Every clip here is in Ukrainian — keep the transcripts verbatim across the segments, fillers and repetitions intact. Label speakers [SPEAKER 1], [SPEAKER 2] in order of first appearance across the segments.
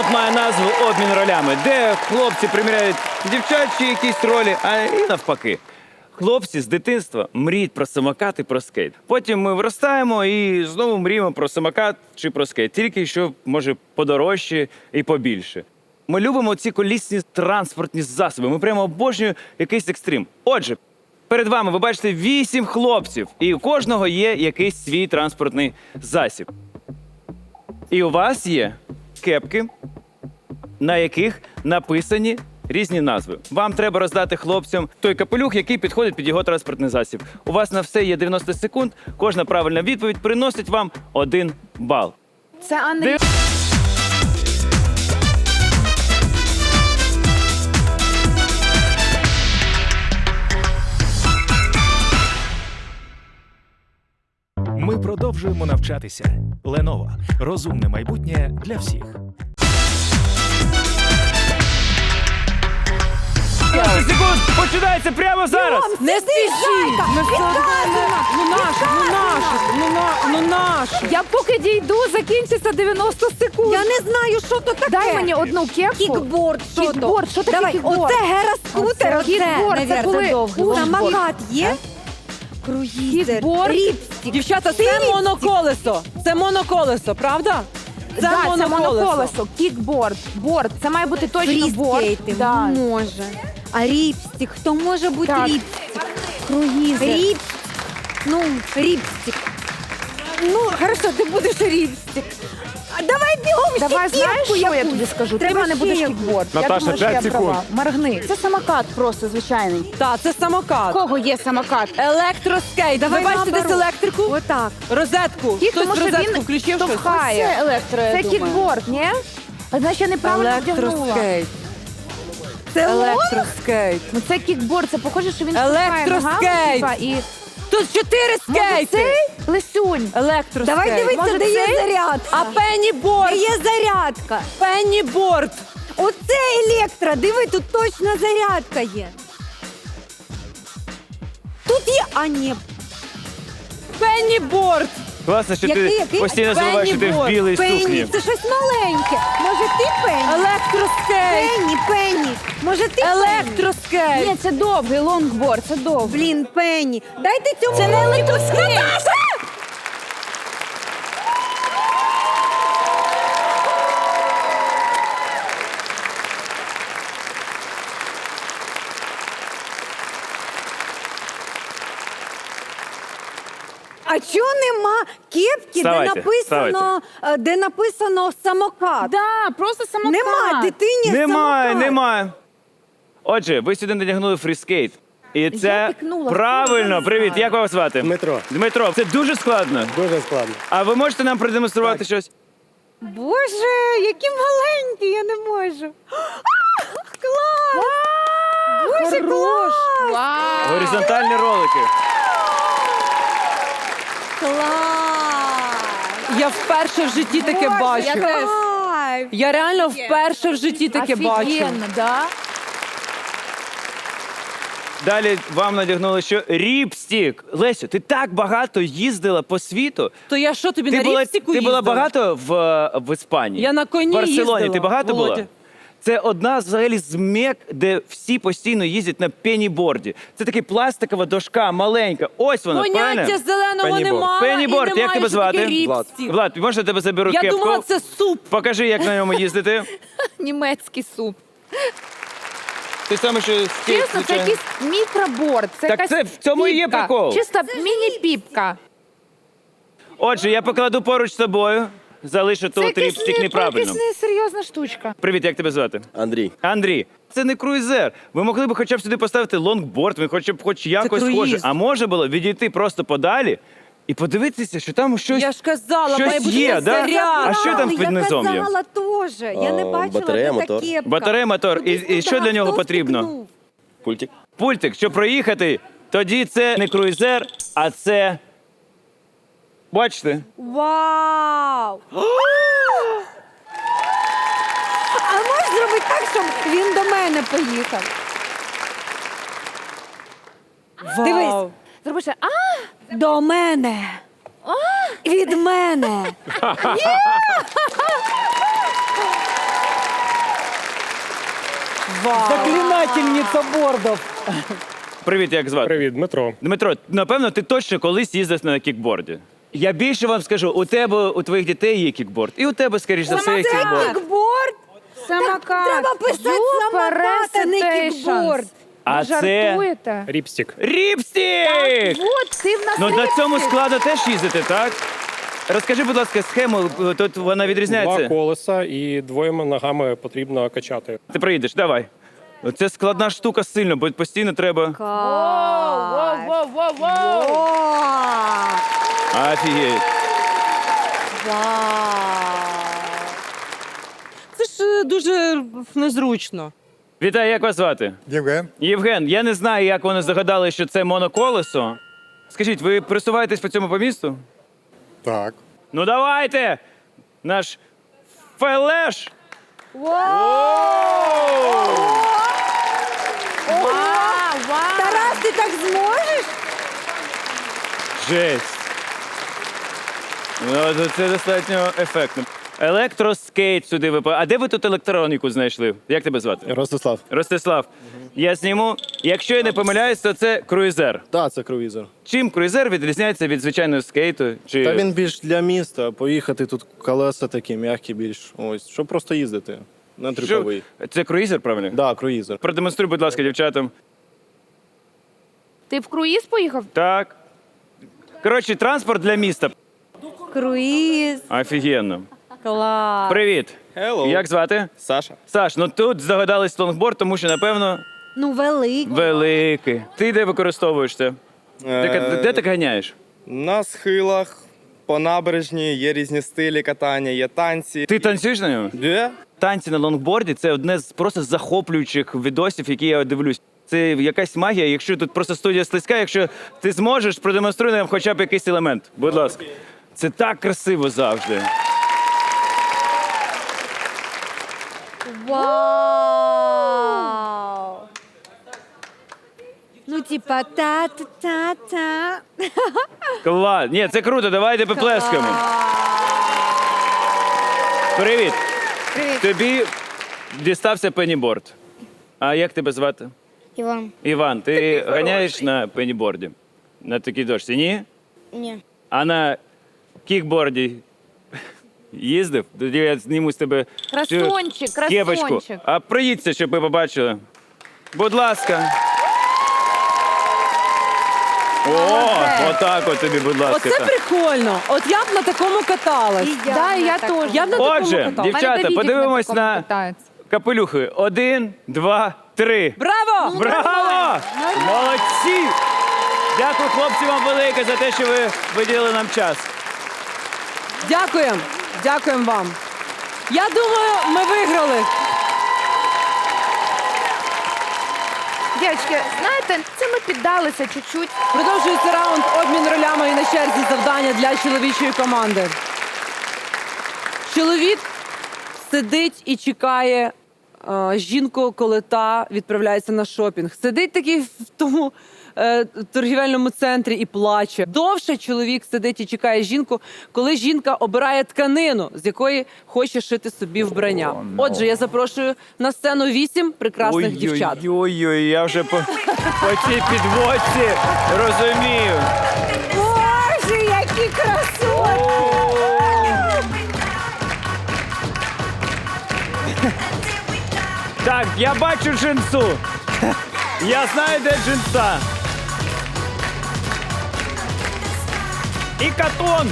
[SPEAKER 1] Раунд має назву «Обмін ролями», де хлопці приміряють дівчачі якісь ролі, а і навпаки. Хлопці з дитинства мріють про самокат і про скейт. Потім ми виростаємо і знову мріємо про самокат чи про скейт. Тільки що, може, подорожче і побільше. Ми любимо ці колісні транспортні засоби. Ми прямо обожнюємо якийсь екстрим. Отже, перед вами ви бачите вісім хлопців, і у кожного є якийсь свій транспортний засіб. І у вас є кепки, на яких написані різні назви. Вам треба роздати хлопцям той капелюх, який підходить під його транспортний засіб. У вас на все є дев'яносто секунд. Кожна правильна відповідь приносить вам один бал.
[SPEAKER 2] Це Андрій.
[SPEAKER 3] Ми продовжуємо навчатися. Lenovo. Розумне майбутнє для всіх.
[SPEAKER 1] дев'яносто секунд починається прямо зараз!
[SPEAKER 4] Не спішіть!
[SPEAKER 2] Ми все одно- Ну наш, ну наш, ну на, ну наш. Я поки дійду, закінчиться дев'яносто секунд.
[SPEAKER 4] Я не знаю, що то таке.
[SPEAKER 2] Дай мені одну кепку.
[SPEAKER 4] Кікборд, що то?
[SPEAKER 2] Кікборд, що таке
[SPEAKER 4] Давай,
[SPEAKER 2] кікборд?
[SPEAKER 4] оце гера-скутер, оце.
[SPEAKER 2] Кікборд, це
[SPEAKER 4] навірно,
[SPEAKER 2] коли
[SPEAKER 4] довгий. Самокат є? Круїзер,
[SPEAKER 2] Кікборд.
[SPEAKER 4] ріпстік.
[SPEAKER 5] Дівчата, це моноколесо. Це моноколесо, правда? Це
[SPEAKER 2] Да, це
[SPEAKER 5] моноколесо.
[SPEAKER 2] моноколесо, кікборд, борд. Це має бути точно борд.
[SPEAKER 4] Фріскейти,
[SPEAKER 2] Да.
[SPEAKER 4] може. А ріпстік, хто може бути
[SPEAKER 2] Так.
[SPEAKER 4] ріпстік?
[SPEAKER 2] Круїзер.
[SPEAKER 4] Ріпстік. Ну, ріпстік. Ну, хорошо, ти будеш ріпстік. А давай бігом ще
[SPEAKER 2] Давай, знаєш,
[SPEAKER 4] кепку
[SPEAKER 2] що я
[SPEAKER 4] якусь.
[SPEAKER 2] тобі скажу? Ти в
[SPEAKER 4] Треба
[SPEAKER 2] мене будеш
[SPEAKER 4] ще
[SPEAKER 2] кікборд.
[SPEAKER 6] Наташа,
[SPEAKER 2] я думаю, що
[SPEAKER 6] п'ять
[SPEAKER 2] я
[SPEAKER 6] секунд.
[SPEAKER 2] права. Моргни. Це самокат просто звичайний.
[SPEAKER 5] Так, це
[SPEAKER 2] У
[SPEAKER 5] самокат.
[SPEAKER 2] кого є самокат?
[SPEAKER 5] Електроскейт.
[SPEAKER 4] Давай
[SPEAKER 5] Ви бачите
[SPEAKER 4] наоборот.
[SPEAKER 5] десь електрику?
[SPEAKER 4] Отак.
[SPEAKER 5] Розетку.
[SPEAKER 2] Ті,
[SPEAKER 5] Хтось
[SPEAKER 2] тому що
[SPEAKER 5] розетку
[SPEAKER 2] він
[SPEAKER 5] включив щось?
[SPEAKER 2] штовхає.
[SPEAKER 7] Це електро, я
[SPEAKER 2] Це
[SPEAKER 7] думаю.
[SPEAKER 2] кікборд, ні? А значить, я неправильно вдягнула.
[SPEAKER 5] Електроскейт.
[SPEAKER 4] Це лох?
[SPEAKER 5] Електроскейт.
[SPEAKER 2] Ну це кікборд, це похоже, що він штовхає
[SPEAKER 5] Електроскейт.
[SPEAKER 2] ногами, типа, і...
[SPEAKER 5] Тут чотири
[SPEAKER 2] Може
[SPEAKER 5] скейти.
[SPEAKER 2] цей? Лисюнь.
[SPEAKER 5] Електроскейт.
[SPEAKER 4] Давай дивитися,
[SPEAKER 2] Може,
[SPEAKER 4] де є
[SPEAKER 2] цей?
[SPEAKER 4] зарядка.
[SPEAKER 5] А пенніборд.
[SPEAKER 4] Де є зарядка.
[SPEAKER 5] Пенніборд.
[SPEAKER 4] Оце електро. Диви, тут точно зарядка є. Тут є... А, ні.
[SPEAKER 5] Пенніборд.
[SPEAKER 1] Класно, що
[SPEAKER 4] Який,
[SPEAKER 1] ти
[SPEAKER 4] який?
[SPEAKER 1] постійно забуваєш, що ти в
[SPEAKER 5] Пенніборд.
[SPEAKER 1] білій
[SPEAKER 4] Пенні.
[SPEAKER 1] сукні.
[SPEAKER 4] Це щось маленьке. Може, ти Пенні?
[SPEAKER 5] Електроскейт.
[SPEAKER 4] Пенні, Пенні. Може, ти Пенні?
[SPEAKER 5] Електроскейт.
[SPEAKER 7] Ні, це довгий лонгборд, це довгий.
[SPEAKER 4] Блін, Пенні. Дайте цьому. Це не електроскейт. А чого нема кепки,
[SPEAKER 1] Вставайте,
[SPEAKER 4] де написано, е, де написано самокат?
[SPEAKER 7] Да, просто самокат.
[SPEAKER 4] Нема дитині
[SPEAKER 1] Немає,
[SPEAKER 4] самокат.
[SPEAKER 1] немає. Отже, ви сюди надягнули фріскейт. І це
[SPEAKER 4] пікнула,
[SPEAKER 1] правильно.
[SPEAKER 4] хто
[SPEAKER 1] Привіт, як вас звати?
[SPEAKER 6] Дмитро.
[SPEAKER 1] Дмитро, це дуже складно.
[SPEAKER 6] Дуже складно.
[SPEAKER 1] А ви можете нам продемонструвати щось?
[SPEAKER 4] Боже, які маленькі, я не можу. А, клас! Боже, клас!
[SPEAKER 7] Вау.
[SPEAKER 1] Горизонтальні ролики.
[SPEAKER 4] Клас!
[SPEAKER 5] Я вперше в житті таке бачу.
[SPEAKER 7] я теж.
[SPEAKER 4] Кайф!
[SPEAKER 5] Я реально вперше в житті таке бачу.
[SPEAKER 7] Офігенно, да?
[SPEAKER 1] Далі вам надягнули що? Ріпстік. Лесю, ти так багато їздила по світу.
[SPEAKER 5] То я що тобі
[SPEAKER 1] Ти
[SPEAKER 5] на
[SPEAKER 1] була,
[SPEAKER 5] ріпстіку
[SPEAKER 1] ти була
[SPEAKER 5] їздила?
[SPEAKER 1] багато в, в Іспанії?
[SPEAKER 5] Я на коні
[SPEAKER 1] В Барселоні
[SPEAKER 5] їздила,
[SPEAKER 1] ти багато
[SPEAKER 5] Володя.
[SPEAKER 1] була? Це одна взагалі з мек, де всі постійно їздять на пеніборді. Це така пластикова дошка, маленька. Ось вона,
[SPEAKER 5] Поняття
[SPEAKER 1] правильно?
[SPEAKER 5] зеленого
[SPEAKER 6] Пенніборд.
[SPEAKER 5] немає.
[SPEAKER 1] Пенніборд,
[SPEAKER 5] і немає,
[SPEAKER 1] як тебе
[SPEAKER 5] що таке
[SPEAKER 1] звати?
[SPEAKER 5] ріпстік.
[SPEAKER 1] Влад, можна я тебе заберу
[SPEAKER 5] Я
[SPEAKER 1] кепку?
[SPEAKER 5] думала, це суп.
[SPEAKER 1] Покажи, як на ньому їздити.
[SPEAKER 7] Німецький суп.
[SPEAKER 1] Ти саме що скейт,
[SPEAKER 2] Чесно, це
[SPEAKER 1] звичайно.
[SPEAKER 2] якийсь мікроборд. Це
[SPEAKER 1] Так
[SPEAKER 2] якась
[SPEAKER 1] це в цьому і є
[SPEAKER 2] піпка.
[SPEAKER 1] прикол.
[SPEAKER 2] Чисто міні-піпка.
[SPEAKER 1] Отже, я покладу поруч з тобою. Залишу
[SPEAKER 2] Це
[SPEAKER 1] тут
[SPEAKER 2] якась
[SPEAKER 1] ріпстік
[SPEAKER 2] не-
[SPEAKER 1] неправильно.
[SPEAKER 2] якась несерйозна штучка.
[SPEAKER 1] Привіт, як тебе звати?
[SPEAKER 6] Андрій.
[SPEAKER 1] Андрій, це не круїзер. Ви могли б хоча б сюди поставити лонгборд, він хоча б хоч якось
[SPEAKER 5] круїз.
[SPEAKER 1] схоже. А може було відійти просто подалі і подивитися, що там щось,
[SPEAKER 5] Я ж казала,
[SPEAKER 1] щось
[SPEAKER 5] має бути
[SPEAKER 1] є, да?
[SPEAKER 5] заряд.
[SPEAKER 1] А що там під низом
[SPEAKER 4] Я
[SPEAKER 1] є?
[SPEAKER 4] казала теж. Я не
[SPEAKER 6] А,
[SPEAKER 4] бачила,
[SPEAKER 6] батарея,
[SPEAKER 4] де
[SPEAKER 6] мотор.
[SPEAKER 4] та кепка.
[SPEAKER 1] Батарея, мотор. І,
[SPEAKER 4] Кудись
[SPEAKER 1] і що
[SPEAKER 4] туди,
[SPEAKER 1] для нього
[SPEAKER 4] хто
[SPEAKER 1] потрібно?
[SPEAKER 4] втикнув?
[SPEAKER 6] Пультик.
[SPEAKER 1] Пультик, щоб проїхати, тоді це не круїзер, а це. Бачите?
[SPEAKER 4] Вау! А можеш зробити так, щоб він до мене поїхав?
[SPEAKER 5] Вау.
[SPEAKER 4] Дивись.
[SPEAKER 2] Зроби ще, а,
[SPEAKER 4] До мене. Від мене.
[SPEAKER 5] Заклинательниця бордов.
[SPEAKER 1] Привіт, як звати?
[SPEAKER 6] Привіт, Дмитро.
[SPEAKER 1] Дмитро, напевно, ти точно колись їздив на кікборді. Я більше вам скажу, у тебе, у твоїх дітей є кікборд. І у тебе, скоріш за все, є кікборд.
[SPEAKER 4] Кікборд?
[SPEAKER 7] Самокат.
[SPEAKER 4] Треба писати самокат, а не кікборд.
[SPEAKER 1] А це
[SPEAKER 7] Жартуєте?
[SPEAKER 6] Ріпстік.
[SPEAKER 1] ріпстік!
[SPEAKER 7] Вот, ти в нас
[SPEAKER 1] Ну на цьому
[SPEAKER 7] ріпстик.
[SPEAKER 1] складу теж їздити, так? Розкажи, будь ласка, схему, тут вона
[SPEAKER 6] Два
[SPEAKER 1] відрізняється.
[SPEAKER 6] колеса і двома ногами потрібно качати.
[SPEAKER 1] Ти приїдеш, давай. Це складна штука сильно, бо постійно треба.
[SPEAKER 7] Воу, воу, воу, воу.
[SPEAKER 4] О,
[SPEAKER 1] Офігеть.
[SPEAKER 5] Це ж е, дуже незручно.
[SPEAKER 1] Вітаю, як вас звати?
[SPEAKER 8] Євген,
[SPEAKER 1] Євген, я не знаю, як вони здогадали, що це моноколесо. Скажіть, ви присуваєтесь по цьому по місту?
[SPEAKER 8] так.
[SPEAKER 1] Ну давайте! Наш фелеш!
[SPEAKER 7] Вау, вау.
[SPEAKER 4] Тарас, ти так зможеш?
[SPEAKER 1] Жесть! Ну, то це достатньо ефектно. Електроскейт сюди випав. А де ви тут електроніку знайшли? Як тебе звати?
[SPEAKER 9] Ростислав.
[SPEAKER 1] Ростислав. Я зніму. Якщо я не помиляюсь, то це круїзер.
[SPEAKER 9] Так, це круїзер.
[SPEAKER 1] Чим круїзер відрізняється від звичайного скейту? Чи...
[SPEAKER 9] Та він більш для міста. Поїхати тут колеса такі м'які більш. Ось, щоб просто їздити. Не
[SPEAKER 1] Що?
[SPEAKER 9] трюковий.
[SPEAKER 1] Це круїзер, правильно?
[SPEAKER 9] Так, да, круїзер.
[SPEAKER 1] Продемонструй, будь ласка, дівчатам.
[SPEAKER 7] Ти в круїз поїхав?
[SPEAKER 1] Так. Коротше, транспорт для міста.
[SPEAKER 4] Круїз.
[SPEAKER 1] Офігенно.
[SPEAKER 4] Клас.
[SPEAKER 1] Привіт.
[SPEAKER 9] Hello.
[SPEAKER 1] Як звати?
[SPEAKER 9] Саша.
[SPEAKER 1] Саш, ну тут здогадались лонгборд, тому що, напевно,
[SPEAKER 4] Ну, великий.
[SPEAKER 1] великий. Ти де використовуєш це? Де,
[SPEAKER 10] Е,
[SPEAKER 1] де ти ганяєш?
[SPEAKER 10] На схилах, по набережні є різні стилі катання, є танці.
[SPEAKER 1] Ти танцюєш на ньому?
[SPEAKER 10] Де?
[SPEAKER 1] Танці на лонгборді це одне з просто захоплюючих відосів, які я дивлюсь. Це якась магія. Якщо тут просто студія слизька, якщо ти зможеш, продемонструй нам хоча б якийсь елемент. Будь ласка. Це так красиво завжди.
[SPEAKER 4] Вау! Ну, типа, та-та-та-та.
[SPEAKER 1] Клас. Ні, це круто, давайте поплескаємо. Привіт.
[SPEAKER 7] Привіт.
[SPEAKER 1] Тобі дістався пеніборд. А як тебе звати?
[SPEAKER 11] Іван.
[SPEAKER 1] Іван, ти ганяєш на пеніборді? На такій дошці? Ні?
[SPEAKER 11] Ні.
[SPEAKER 1] А на кікборді їздив? Тоді я зніму з тебе цю
[SPEAKER 7] Красончик,
[SPEAKER 1] кепочку.
[SPEAKER 7] красончик.
[SPEAKER 1] А проїдься, щоб ви побачили. Будь ласка. О, отак от тобі, будь ласка.
[SPEAKER 5] Оце
[SPEAKER 1] так.
[SPEAKER 5] прикольно. От я б на такому каталась.
[SPEAKER 7] Да, я теж.
[SPEAKER 5] Я б на такому
[SPEAKER 1] Отже,
[SPEAKER 5] каталась.
[SPEAKER 1] дівчата, подивимось на
[SPEAKER 7] Катається.
[SPEAKER 1] капелюхи. Один, два, три.
[SPEAKER 5] Браво!
[SPEAKER 1] Браво! Молодці! Дякую, хлопці, вам велике за те, що ви виділили нам час.
[SPEAKER 5] Дякуємо. Дякуємо вам. Я думаю, ми виграли.
[SPEAKER 7] Дівчатки, знаєте, це ми піддалися чуть-чуть.
[SPEAKER 5] Продовжується раунд обмін ролями і на черзі завдання для чоловічої команди. Чоловік сидить і чекає е, жінку, коли та відправляється на шопінг. Сидить такий в тому е, торгівельному центрі і плаче. Довше чоловік сидить і чекає жінку, коли жінка обирає тканину, з якої хоче шити собі вбрання. Отже, я запрошую на сцену вісім прекрасних дівчат.
[SPEAKER 1] Ой-ой-ой, я вже по, по цій підводці розумію.
[SPEAKER 4] Боже, які красоти!
[SPEAKER 1] Так, я бачу джинсу. Я знаю, де джинса. І катон.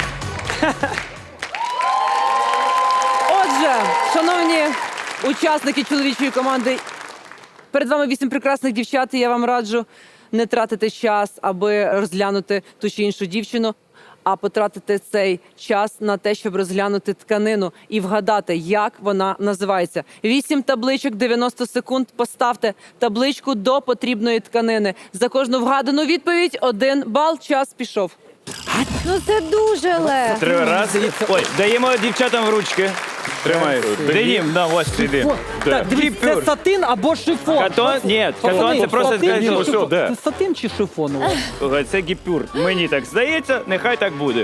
[SPEAKER 5] Отже, шановні учасники чоловічої команди, перед вами вісім прекрасних дівчат, і я вам раджу не тратити час, аби розглянути ту чи іншу дівчину, а потратити цей час на те, щоб розглянути тканину і вгадати, як вона називається. Вісім табличок, дев'яносто секунд. Поставте табличку до потрібної тканини. За кожну вгадану відповідь один бал. Час пішов.
[SPEAKER 4] Ну, це дуже легко.
[SPEAKER 1] Три рази. Ой, даємо дівчатам в ручки. Тримай. Денім, на, ось сиди.
[SPEAKER 5] Так, дивіться, це сатин або шифон.
[SPEAKER 1] Катон? Ні, катон це просто
[SPEAKER 5] Сатин чи
[SPEAKER 1] сказати,
[SPEAKER 5] шифон?
[SPEAKER 1] де.
[SPEAKER 5] Це сатин чи шифон? у вас?
[SPEAKER 1] Слухай, це гіпюр. Мені так здається, нехай так буде.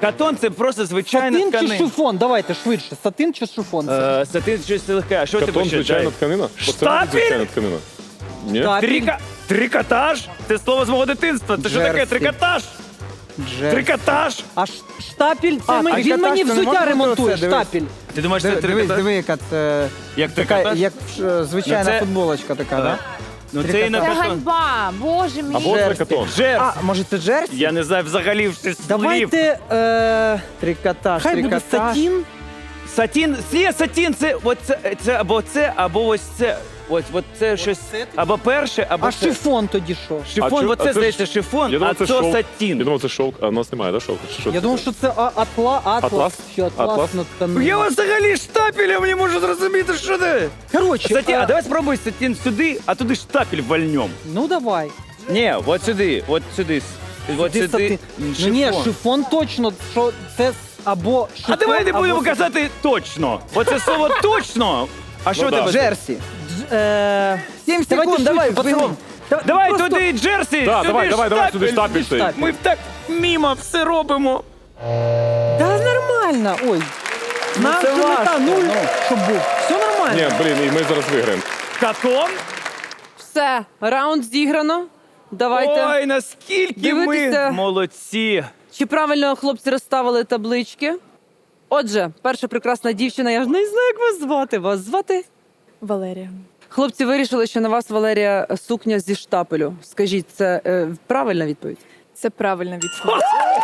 [SPEAKER 1] Катон це просто звичайна
[SPEAKER 8] Сатин чи
[SPEAKER 1] тканина.
[SPEAKER 8] шифон? Давайте швидше. Сатин чи шифон? це?
[SPEAKER 1] Е, Сатин щось легке. А що ти
[SPEAKER 11] Катон,
[SPEAKER 1] почитай?
[SPEAKER 11] звичайна тканина.
[SPEAKER 1] Штапель?
[SPEAKER 11] Звичайна тканина. Ні?
[SPEAKER 8] Штапель.
[SPEAKER 1] Трика... Трикотаж? Це слово з мого дитинства. Це що таке?
[SPEAKER 8] Джерсі.
[SPEAKER 1] Трикотаж?
[SPEAKER 8] Джер.
[SPEAKER 1] Трикотаж?
[SPEAKER 8] А ш- штапель, це
[SPEAKER 12] А,
[SPEAKER 8] мені, він
[SPEAKER 12] трикотаж,
[SPEAKER 8] мені
[SPEAKER 12] це не може
[SPEAKER 8] взуття
[SPEAKER 12] бути
[SPEAKER 8] ремонтує.
[SPEAKER 12] оце, дивись.
[SPEAKER 8] Штапель.
[SPEAKER 1] Ти думаєш, це
[SPEAKER 12] Диви, дивись,
[SPEAKER 1] трикотаж?
[SPEAKER 12] диви, яка це
[SPEAKER 1] Як
[SPEAKER 12] така,
[SPEAKER 1] трикотаж?
[SPEAKER 12] як е, звичайна
[SPEAKER 1] Ну, це-
[SPEAKER 12] футболочка така,
[SPEAKER 1] Да?
[SPEAKER 12] да?
[SPEAKER 1] Ну це і на
[SPEAKER 7] Це
[SPEAKER 1] катон.
[SPEAKER 7] ганьба, боже мій.
[SPEAKER 11] Або це катон.
[SPEAKER 1] Джерсі.
[SPEAKER 12] А, може це джерсі?
[SPEAKER 1] Я не знаю взагалі слів.
[SPEAKER 8] Давайте, е,
[SPEAKER 12] Трикотаж,
[SPEAKER 8] хай буде
[SPEAKER 12] трикотаж.
[SPEAKER 8] сатін.
[SPEAKER 1] Сатін, є сатін, це, от це, це або це, або ось це. Ось, от це щось, або перше, або
[SPEAKER 8] А
[SPEAKER 1] це.
[SPEAKER 8] шифон тоді що?
[SPEAKER 1] Шифон,
[SPEAKER 11] А чо-
[SPEAKER 1] бо
[SPEAKER 11] а
[SPEAKER 1] це,
[SPEAKER 11] це
[SPEAKER 1] здається,
[SPEAKER 11] ж-
[SPEAKER 1] шифон,
[SPEAKER 11] Я
[SPEAKER 1] а
[SPEAKER 11] думав,
[SPEAKER 1] це
[SPEAKER 11] це шовк.
[SPEAKER 1] сатін.
[SPEAKER 11] Я думав, це шовк, а у нас немає, да, шовку? Що
[SPEAKER 8] Я
[SPEAKER 11] це
[SPEAKER 8] думав,
[SPEAKER 11] таке?
[SPEAKER 8] що це а- атла, атлас.
[SPEAKER 11] Атлас?
[SPEAKER 8] Що атлас,
[SPEAKER 11] Атлас?
[SPEAKER 8] на тканині.
[SPEAKER 1] Я взагалі штапелем не можу зрозуміти, що це.
[SPEAKER 8] Коротше,
[SPEAKER 1] Сатін,
[SPEAKER 8] е,
[SPEAKER 1] а давай спробуй сатін сюди, а туди штапель вальнем.
[SPEAKER 8] ну давай.
[SPEAKER 1] Ні, от сюди, от сюди. От
[SPEAKER 8] Сюди
[SPEAKER 1] сюди.
[SPEAKER 8] сатин. Ну ні, шифон точно, що це с- або шифон,
[SPEAKER 1] А давай не
[SPEAKER 8] або
[SPEAKER 1] будемо
[SPEAKER 8] сатин.
[SPEAKER 1] казати точно. Оце слово точно. А що
[SPEAKER 11] да.
[SPEAKER 1] тебе?
[SPEAKER 12] Джерсі.
[SPEAKER 8] Дж- е,
[SPEAKER 12] Сім
[SPEAKER 8] давайте
[SPEAKER 12] секунд, давай,
[SPEAKER 8] швидше, пацани.
[SPEAKER 12] бігом.
[SPEAKER 8] Та-
[SPEAKER 1] Давай
[SPEAKER 8] просто-
[SPEAKER 1] туди Джерсі,
[SPEAKER 11] Да,
[SPEAKER 1] сюди
[SPEAKER 11] давай, давай, давай, сюди
[SPEAKER 1] штапель.
[SPEAKER 11] штапель стоїть.
[SPEAKER 8] штапель.
[SPEAKER 1] Ми так мімо все робимо.
[SPEAKER 8] Та нормально, ой. Нам
[SPEAKER 12] це
[SPEAKER 8] же мета
[SPEAKER 12] важко,
[SPEAKER 8] нуль,
[SPEAKER 12] ну.
[SPEAKER 8] щоб був. Все нормально.
[SPEAKER 11] Ні, блін, і ми зараз виграємо.
[SPEAKER 1] Катон?
[SPEAKER 5] Все, раунд зіграно. Давайте.
[SPEAKER 1] Ой, наскільки
[SPEAKER 5] Дивитися.
[SPEAKER 1] ми молодці.
[SPEAKER 5] Чи правильно хлопці розставили таблички? Отже, перша прекрасна дівчина, я ж не знаю, як вас звати. Вас звати?
[SPEAKER 2] Валерія.
[SPEAKER 5] Хлопці вирішили, що на вас, Валерія, сукня зі штапелю. Скажіть, це е, правильна відповідь?
[SPEAKER 2] Це правильна відповідь.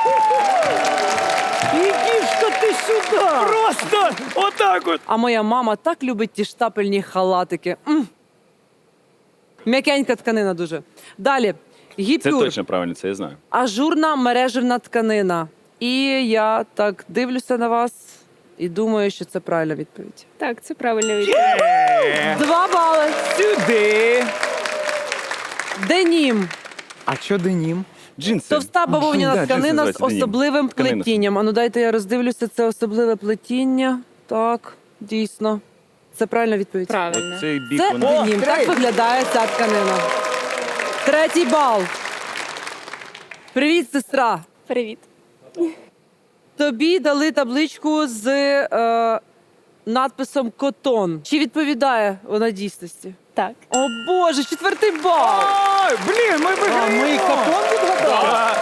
[SPEAKER 8] Ідішка ти сюди.
[SPEAKER 1] Просто отак от.
[SPEAKER 5] А моя мама так любить ті штапельні халатики. М. М'якенька тканина дуже. Далі.
[SPEAKER 1] Це
[SPEAKER 5] Гіпюр.
[SPEAKER 1] точно правильно, це я знаю.
[SPEAKER 5] Ажурна мережевна тканина. І я так дивлюся на вас і думаю, що це правильна відповідь.
[SPEAKER 2] Так, це правильна відповідь.
[SPEAKER 5] Два бали.
[SPEAKER 1] Сюди.
[SPEAKER 5] Денім.
[SPEAKER 12] А що денім?
[SPEAKER 1] Джинси.
[SPEAKER 5] Товста бавовняна
[SPEAKER 1] Да, джинси
[SPEAKER 5] тканина з
[SPEAKER 1] називаються денім.
[SPEAKER 5] особливим
[SPEAKER 1] Тканина.
[SPEAKER 5] плетінням. А ну дайте я роздивлюся, це особливе плетіння. Так, дійсно. Це правильна відповідь.
[SPEAKER 2] Правильно.
[SPEAKER 1] Оцей бік
[SPEAKER 5] Це
[SPEAKER 1] вона.
[SPEAKER 5] денім. Так виглядає ця тканина. Третій бал. Привіт, сестра.
[SPEAKER 2] Привіт.
[SPEAKER 5] Тобі дали табличку з е, надписом Котон. Чи відповідає вона дійсності?
[SPEAKER 2] Так.
[SPEAKER 5] О Боже, четвертий бал.
[SPEAKER 1] Ой, блін, ми
[SPEAKER 8] А
[SPEAKER 1] виграємо.
[SPEAKER 8] ми капон відгадали?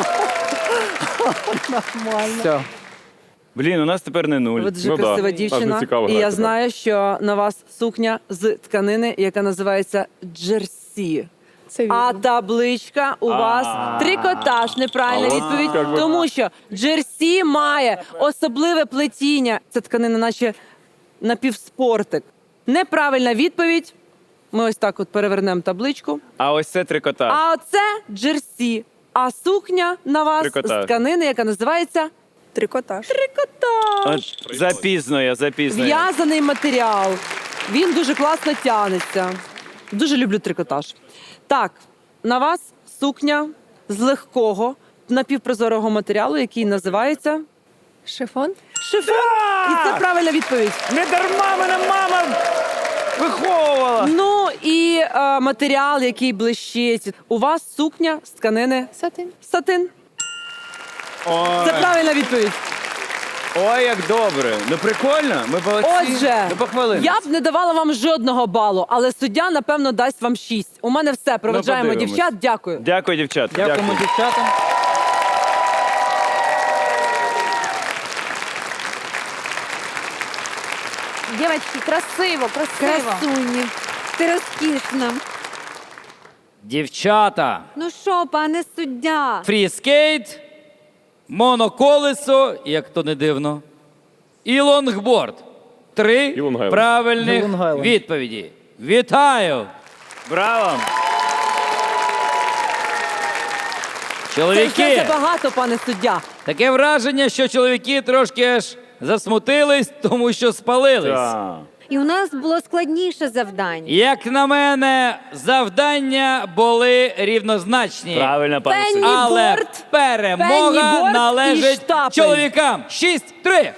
[SPEAKER 12] Все.
[SPEAKER 1] Блін, у нас тепер не нуль.
[SPEAKER 5] Ви дуже
[SPEAKER 11] Ну да,
[SPEAKER 5] красива
[SPEAKER 11] нас не
[SPEAKER 5] дівчина.
[SPEAKER 11] цікаво
[SPEAKER 5] І я
[SPEAKER 11] грати,
[SPEAKER 5] знаю, що на вас сукня з тканини, яка називається джерсі.
[SPEAKER 2] Це вірно.
[SPEAKER 5] А табличка у вас
[SPEAKER 1] А.
[SPEAKER 5] трикотаж. Неправильна
[SPEAKER 11] А от
[SPEAKER 5] відповідь,
[SPEAKER 11] як би-
[SPEAKER 5] тому що джерсі має особливе плетіння. Це тканина, наче напівспортик. Неправильна відповідь. Ми ось так от перевернемо табличку.
[SPEAKER 1] А ось це трикотаж.
[SPEAKER 5] А оце джерсі. А сукня на вас
[SPEAKER 1] Трикотаж.
[SPEAKER 5] з тканини, яка називається
[SPEAKER 2] Трикотаж.
[SPEAKER 5] трикотаж.
[SPEAKER 1] От, запізно я, запізно. я.
[SPEAKER 5] В'язаний матеріал. Він дуже класно тягнеться. Дуже люблю трикотаж. Так, на вас сукня з легкого напівпрозорого матеріалу, який називається
[SPEAKER 2] Шифон.
[SPEAKER 5] шифон. І це правильна відповідь.
[SPEAKER 1] Не дарма мене мама виховувала.
[SPEAKER 5] Ну і е, матеріал, який блищить. У вас сукня з тканини
[SPEAKER 2] Сатин.
[SPEAKER 5] сатин.
[SPEAKER 1] Ой,
[SPEAKER 5] Це правильна відповідь.
[SPEAKER 1] ой, як добре. Ну прикольно, ми молодці.
[SPEAKER 5] Отже,
[SPEAKER 1] Ну, похвалили.
[SPEAKER 5] я б не давала вам жодного балу, але суддя, напевно, дасть вам шість. У мене все. Проведжаємо
[SPEAKER 1] подивимось.
[SPEAKER 5] дівчат. Дякую.
[SPEAKER 1] Дякую, дівчата.
[SPEAKER 8] Дякуємо дівчатам.
[SPEAKER 7] Дівчатки, красиво, красиво.
[SPEAKER 4] Красуні. Ти розкішна.
[SPEAKER 13] Дівчата,
[SPEAKER 4] Ну що, пане суддя?
[SPEAKER 13] фріскейт, моноколесо, як то не дивно, і лонгборд. Три
[SPEAKER 11] І лонгайленд.
[SPEAKER 13] правильних
[SPEAKER 8] І лонгайленд.
[SPEAKER 13] відповіді. Вітаю!
[SPEAKER 1] Браво.
[SPEAKER 5] Це
[SPEAKER 13] Чоловіки,
[SPEAKER 5] вже забагато, пане суддя.
[SPEAKER 13] таке враження, що чоловіки трошки аж засмутились, тому що спалились.
[SPEAKER 1] Так.
[SPEAKER 4] І у нас було складніше завдання.
[SPEAKER 13] Як на мене, завдання були рівнозначні.
[SPEAKER 1] Правильно, пане
[SPEAKER 5] Пенні
[SPEAKER 1] суддя.
[SPEAKER 13] Але
[SPEAKER 5] Борт,
[SPEAKER 13] перемога
[SPEAKER 5] пенніборд і
[SPEAKER 13] належить
[SPEAKER 5] штапель.
[SPEAKER 13] чоловікам. шість-три.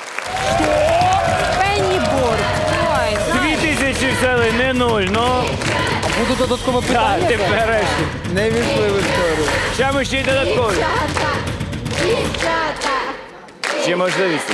[SPEAKER 5] Пенніборд.
[SPEAKER 1] Дві тисячі взяли, не нуль. Ну,
[SPEAKER 8] Буде додаткове
[SPEAKER 1] так,
[SPEAKER 8] питання.
[SPEAKER 1] ти береш.
[SPEAKER 12] Не війшли в історію.
[SPEAKER 1] Ще ми ще й додаткові.
[SPEAKER 4] Дівчата!
[SPEAKER 1] Ще можливість.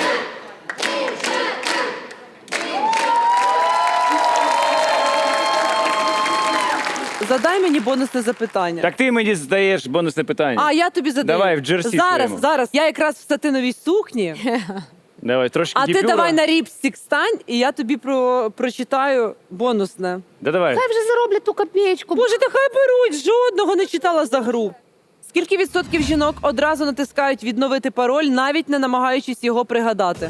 [SPEAKER 5] Задай мені бонусне запитання.
[SPEAKER 1] Так ти мені здаєш бонусне питання.
[SPEAKER 5] А, я тобі задаю.
[SPEAKER 1] Давай, в джерсі
[SPEAKER 5] Зараз,
[SPEAKER 1] своєму.
[SPEAKER 5] зараз. Я якраз в сатиновій сукні,
[SPEAKER 1] Давай, трошки
[SPEAKER 5] а ти
[SPEAKER 1] діпюра.
[SPEAKER 5] давай на ріпстік стань, і я тобі про... прочитаю бонусне.
[SPEAKER 1] Да давай.
[SPEAKER 2] Хай вже зароблять ту копеечку.
[SPEAKER 5] Боже, та хай беруть, жодного не читала за гру. Скільки відсотків жінок одразу натискають відновити пароль, навіть не намагаючись його пригадати?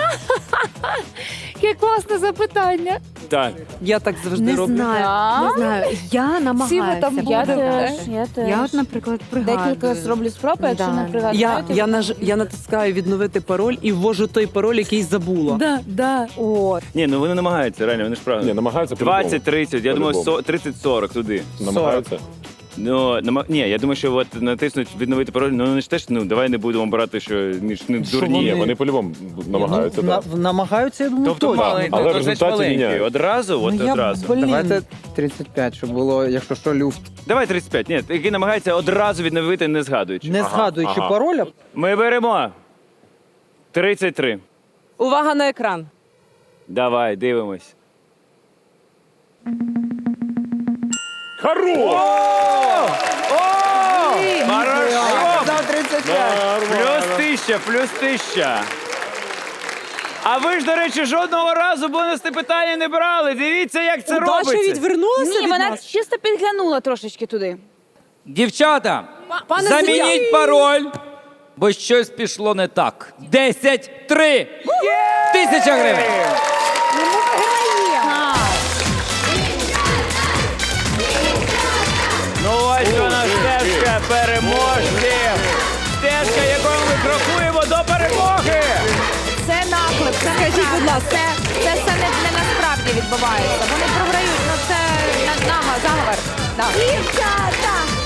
[SPEAKER 2] Яке класне запитання.
[SPEAKER 1] Так.
[SPEAKER 5] Я так завжди
[SPEAKER 4] Не
[SPEAKER 5] роблю.
[SPEAKER 4] знаю, не знаю. Я
[SPEAKER 2] Всі ви
[SPEAKER 4] намагаюся.
[SPEAKER 2] там
[SPEAKER 7] Я
[SPEAKER 2] будете.
[SPEAKER 7] теж, я теж.
[SPEAKER 4] Я от, наприклад, пригадую.
[SPEAKER 7] Декілька зроблю спроб, а якщо
[SPEAKER 4] Да.
[SPEAKER 7] не пригадаю,
[SPEAKER 5] Я, я, наж... я натискаю відновити пароль і ввожу той пароль, який забула.
[SPEAKER 4] Да, да. О,
[SPEAKER 1] Ні, ну вони намагаються, реально, вони ж правильно.
[SPEAKER 11] Ні, намагаються по-любому.
[SPEAKER 1] двадцять тридцять, я думаю,
[SPEAKER 11] По-любому.
[SPEAKER 1] тридцять сорок туди.
[SPEAKER 11] Намагаються.
[SPEAKER 1] Ну, нама... ні, я думаю, що от натиснуть відновити пароль, ну вони ж теж, ну, давай не будемо брати, що ніж не
[SPEAKER 12] Що
[SPEAKER 1] дурні.
[SPEAKER 11] Ні,
[SPEAKER 12] вони-
[SPEAKER 11] вони по-любому намагаються,
[SPEAKER 12] Ну,
[SPEAKER 11] так.
[SPEAKER 12] на- намагаються, я думаю,
[SPEAKER 1] Тобто
[SPEAKER 12] точно.
[SPEAKER 1] маленький,
[SPEAKER 11] Але в
[SPEAKER 1] то, значить,
[SPEAKER 11] результаті
[SPEAKER 1] маленький.
[SPEAKER 11] міняють.
[SPEAKER 1] Одразу, от
[SPEAKER 12] Ну, я,
[SPEAKER 1] одразу.
[SPEAKER 12] блін.
[SPEAKER 8] Давайте тридцять п'ять, щоб було, якщо що, люфт.
[SPEAKER 1] Давай тридцять п'ять, ні, який намагається одразу відновити, не згадуючи.
[SPEAKER 12] Не згадуючи
[SPEAKER 11] ага.
[SPEAKER 12] пароля,
[SPEAKER 1] Ми беремо тридцять три.
[SPEAKER 5] Увага на екран.
[SPEAKER 1] Давай, дивимось.
[SPEAKER 11] Хорош!
[SPEAKER 1] Хорошо!
[SPEAKER 12] дав тридцять п'ять.
[SPEAKER 1] Плюс тисяча, плюс тисяча. А ви ж, до речі, жодного разу бонусне питання не брали. Дивіться, як це
[SPEAKER 5] Даша
[SPEAKER 1] робиться.
[SPEAKER 5] відвернулася
[SPEAKER 7] Ні,
[SPEAKER 5] від
[SPEAKER 7] вона
[SPEAKER 5] нас.
[SPEAKER 7] чисто підглянула трошечки туди.
[SPEAKER 13] Дівчата,
[SPEAKER 5] Пане
[SPEAKER 13] замініть
[SPEAKER 5] суддя.
[SPEAKER 13] пароль, бо щось пішло не так. Десять, три. Тисяча гривень.
[SPEAKER 1] Ну ось вона стежка переможців. Стежка, якою ми крокуємо до перемоги.
[SPEAKER 7] Це наклеп, це
[SPEAKER 5] Скажіть,
[SPEAKER 7] неправда.
[SPEAKER 5] будь ласка.
[SPEAKER 7] Це, це все не, не насправді відбувається. Вони програють, ну це на- нама, заговор. Да.
[SPEAKER 4] Дівчата!